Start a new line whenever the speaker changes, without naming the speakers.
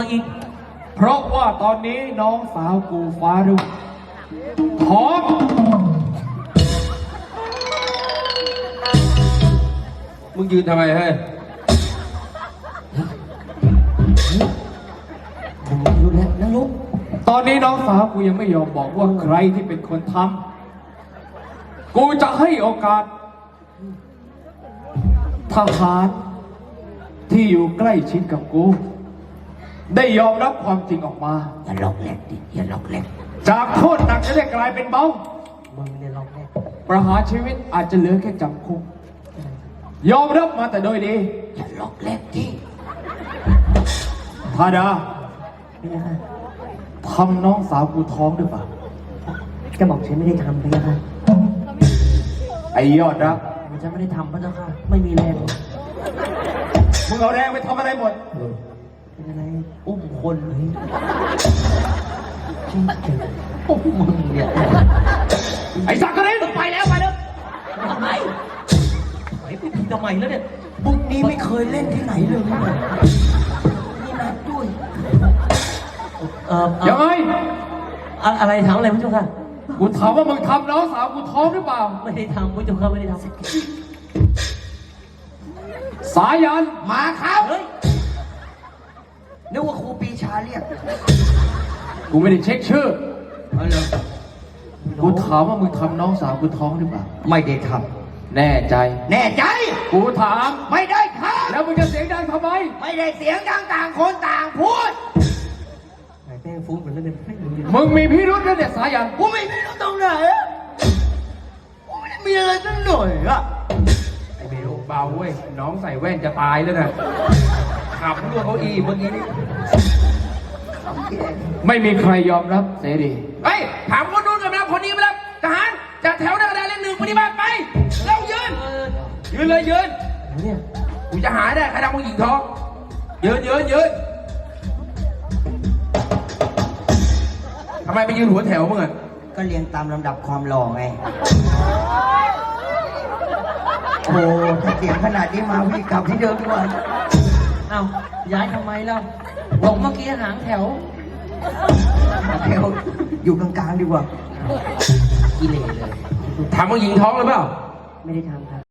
อีก
เพราะว่าตอนนี้น้องสาวกูฟ้ารุ่งท้อง
มึงยืนทำไมเฮ้ยผมรู้แล้วนั่งลุก
ตอนนี้น้องสาวกูยังไม่ยอมบอกว่าใครที่เป็นคนทำกูจะให้โอกาสทหารที่อยู่ใกล้ชิดกับกูได้ยอมรับความจริงออกมา
อย่าล็อกแรกดิอย่าล็อกแรก
จากโทษหนักจะได้กลายเป็นเบา
มึงเนี่ยล็อกแรก
ประหารชีวิตอาจจะเหลือแค่จำคุกยอมรับมาแต่โดยดี
อย่าล็อกแรกดิ
ธาดาทำน้องสาวกูท้องหรือเปล่า
จะบอกฉันไม่ได้ทำไปยังไง
ไอ้ยอดรัก
ฉันไม่ได้ทำพระเจ้าค่ะไม่มีแรง
มึงเอาแรงไปทำอะไรหมด
เป็นอะไรอุ้มคนเลยจริงๆอุ้มมึงเนี่ย
ไอ้สักกะลินไปแล้วท
ำไมไปทำไมแล้วเนี่ยบุกนี้ไม่เคยเล่นที่ไหนเลยนี่นัดด้วย
ยังไง
อะไรถามอะไรพระเจ้าค่ะ
กูถามว่ามึงทำน้องสาวกูท้องหรือเปล่า
ไม่ได้ทำพระเจ้าค่ะไม่ได้ทำ
สายัน
มาครับนึกว่าครูปีชาเรียก
กูไม่ได้เช็คชื่อกูถามว่ามึงทำน้องสาวกูท้องหรือเปล่า
ไม่ได้ท
ำแน่ใจกูถาม
ไม่ได้ทำ
แล้วมึงจะเสียงดังทำไม
ไม่ได้เสียงดังต่างคนต่างพูดไอ้แป้งฟุ้งเหมือนเล่น
มึงมีพิรุธนะเนี่ยสายัน
กูไม่มีพิรุธตรงไหนกูไม่ได้มีอะไรตั้งหน่อยอะ
ไอ้เบลเบาเว้ยน้องใส่แว่นจะตายแล้วนะขับรั่วเขาอีเมื่อกี้นี่ไม่มีใครยอมรับเสรี
เฮ้ยถามคนนู้นกับเราคนนี้มาแล้วทหารจัดแถวหน้ากระดานเลขหนึ่งปฏิบัติไปเร็วยืนเลยยืน
เนี่ย
กูจะหาได้ใครทำผู้หญิงท้องยืนทำไมไปยืนหัวแถวมึงอ่ะ
ก็เรียงตามลำดับความหล่อไงโอ้ถ้าเสียงขนาดนี้มาพี่กลับที่เดิมดีกว่าเอ้าย้ายทำไมเล่าบอกเมื่อกี้หางแถวอยู่กลางๆดีกว่ากิเลสเลย
ทำผู้หญิงท้องหรือเปล่า
ไม่ได้ทำครับ